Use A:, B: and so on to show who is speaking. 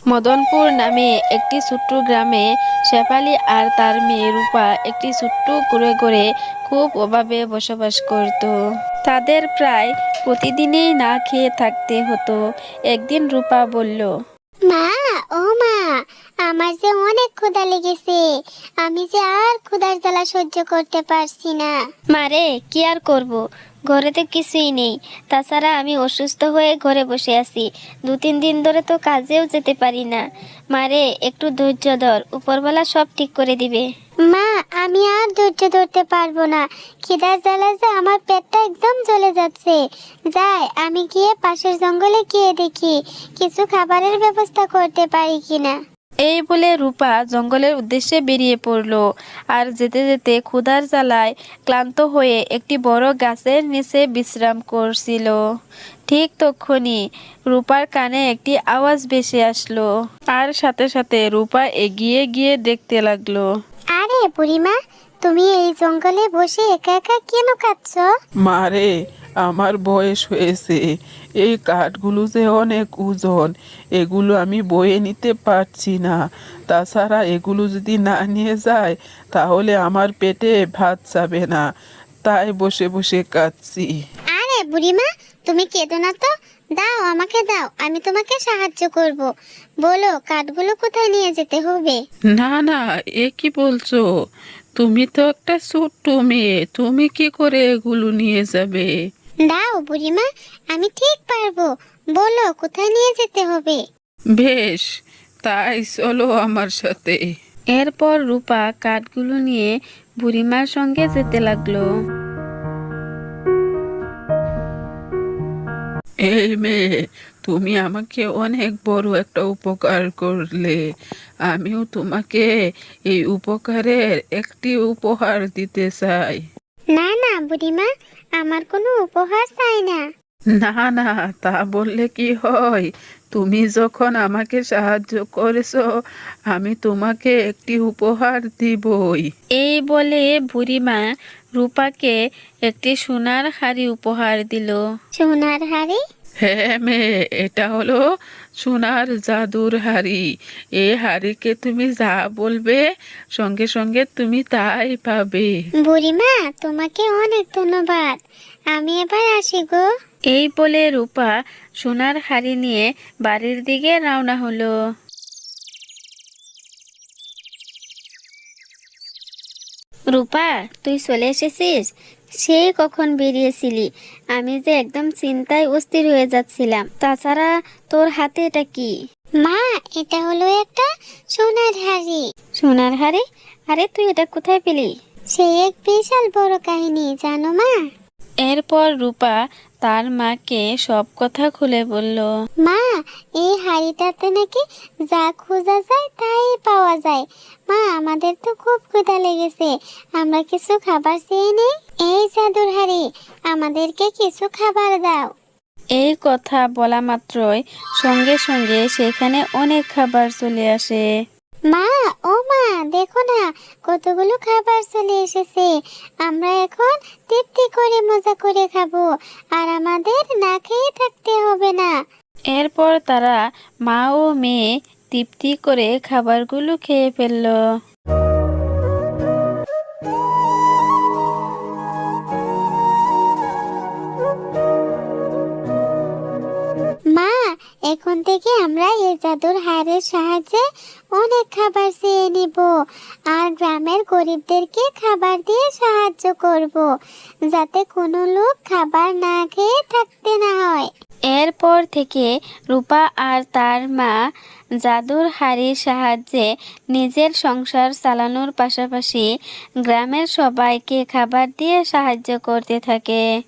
A: মদনপুর নামে একটি ছোট্ট গ্রামে শেফালি আর তার মেয়ে রূপা একটি ছোট্ট ঘরে খুব অভাবে বসবাস করত। তাদের প্রায় প্রতিদিনই না খেয়ে থাকতে হতো। একদিন রূপা বলল,
B: মা, ও মা, আমার যে অনেক ক্ষুধা লেগেছে। আমি যে আর ক্ষুধার জ্বালা সহ্য করতে পারছি না।
C: মারে, কি আর করব, ঘরে তো কিছুই নেই। তাছাড়া আমি অসুস্থ হয়ে ঘরে বসে আছি। 2-3 দিন ধরে তো কাজেও যেতে পারি না। মারে, একটু ধৈর্য ধর, উপরওয়ালা সব ঠিক করে দিবে।
B: মা, আমি আর ধৈর্য ধরতে পারবো না। খিদার জ্বালা যে আমার পেটটা একদম জ্বলে যাচ্ছে। যাই, আমি গিয়ে পাশের জঙ্গলে গিয়ে দেখি কিছু খাবারের ব্যবস্থা করতে পারি কিনা।
A: এই বলে রূপা জঙ্গলের উদ্দেশ্যে বেরিয়ে পড়ল। আর যেতে যেতে ক্ষুধার জ্বালায় ক্লান্ত হয়ে একটি বড় গাছের নিচে বিশ্রাম করছিল। ঠিক তক্ষুনি রূপার কানে একটি আওয়াজ ভেসে আসলো। আর সাথে সাথে রূপা এগিয়ে গিয়ে দেখতে লাগলো।
B: আরে বুড়িমা, তুমি এই জঙ্গলে বসে একা একা কেন কাঁদছো?
D: মারে, আমার বয়স হয়েছে। এই কাঠগুলো যে অনেক ওজন, এগুলো আমি বয়ে নিতে পারছি না। তাছাড়া এগুলো যদি না নিয়ে যায় তাহলে আমার পেটে ভাত যাবে না। তাই বসে বসে কাঁদছি।
B: আরে বুড়িমা, তুমি কেঁদো না তো। দাও, আমাকে দাও, আমি তোমাকে সাহায্য করব। বলো, কাঠগুলো কোথায় নিয়ে যেতে হবে?
D: না না, এ কি বলছো? তুমি তো একটা ছোট্ট মেয়ে, তুমি কি করে এগুলো নিয়ে যাবে?
B: দাও বুড়িমা, আমি ঠিক পারবো। বলো, কোথায় নিয়ে যেতে হবে?
D: বেশ, তাই চলো আমার সাথে।
A: এরপর রূপা কাঠগুলো নিয়ে বুড়িমার সঙ্গে যেতে লাগলো।
D: এই মেয়ে, তুমি আমাকে অনেক বড় একটা উপকার করলে। আমিও তোমাকে এই উপকারের একটি উপহার দিতে চাই।
B: না না বুড়িমা, আমার কোনো উপহার চাই না।
D: না না, তা বললে কি হয়? তুমি যখন আমাকে সাহায্য করেছো, আমি তোমাকে একটি উপহার দিবই।
A: এই বলে বুড়িমা রূপাকে একটি সোনার হাড়ি উপহার দিল।
B: সোনার হাড়ি?
D: হ্যাঁ মেয়ে, এটা হলো সোনার জাদুর হাড়ি। এই হাড়িকে তুমি যা বলবে সঙ্গে সঙ্গে তুমি তাই পাবে।
B: বুড়িমা, তোমাকে অনেক ধন্যবাদ। আমি এবার আসি গো।
A: এই বলে রূপা সোনার হাড়ি নিয়ে বাড়ির দিকে রওনা হলো।
C: রূপা, তুই চলে এসেছিস? সেই কখন বেরিয়েছিলি? আমি যে একদম চিন্তায় অস্থির হয়ে যাচ্ছিলাম। তাছাড়া তোর হাতে এটা কি?
B: মা, এটা হলো একটা সোনার হাড়ি।
C: সোনার হাড়ি? আরে, তুই এটা কোথায় পেলি?
B: সে এক বিশাল বড় কাহিনী, জানো মা।
A: এরপর রূপা তার মাকে সব কথা খুলে বলল।
B: মা, এই হাড়িটাতে নাকি যা খোঁজা যায় তাই পাওয়া যায়। মা, আমাদের তো খুব ক্ষুধা লেগেছে, আমরা কিছু খাবার চেয়ে নেই। এই জাদুর হাড়ি, আমাদেরকে কিছু খাবার দাও।
A: এই কথা বলা মাত্রই সঙ্গে সঙ্গে সেখানে অনেক খাবার চলে আসে।
B: মা, ও মা, দেখো না, কতগুলো খাবার চলে এসেছে। আমরা এখন তৃপ্তি করে মজা করে খাবো, আর আমাদের না খেয়ে থাকতে হবে না।
A: এরপর তারা মা ও মেয়ে তৃপ্তি করে খাবারগুলো খেয়ে ফেলল।
B: মা, এখন থেকে আমরা এই জাদুর হাড়ের সাহায্যে অনেক খাবার চেয়ে নিব, আর গ্রামের গরিবদেরকে খাবার দিয়ে সাহায্য করব, যাতে কোনো লোক খাবার না খেয়ে থাকতে না হয়।
C: এরপর থেকে রূপা আর তার মা জাদুর হাড়ির সাহায্যে নিজের সংসার চালানোর পাশাপাশি গ্রামের সবাইকে খাবার দিয়ে সাহায্য করতে থাকে।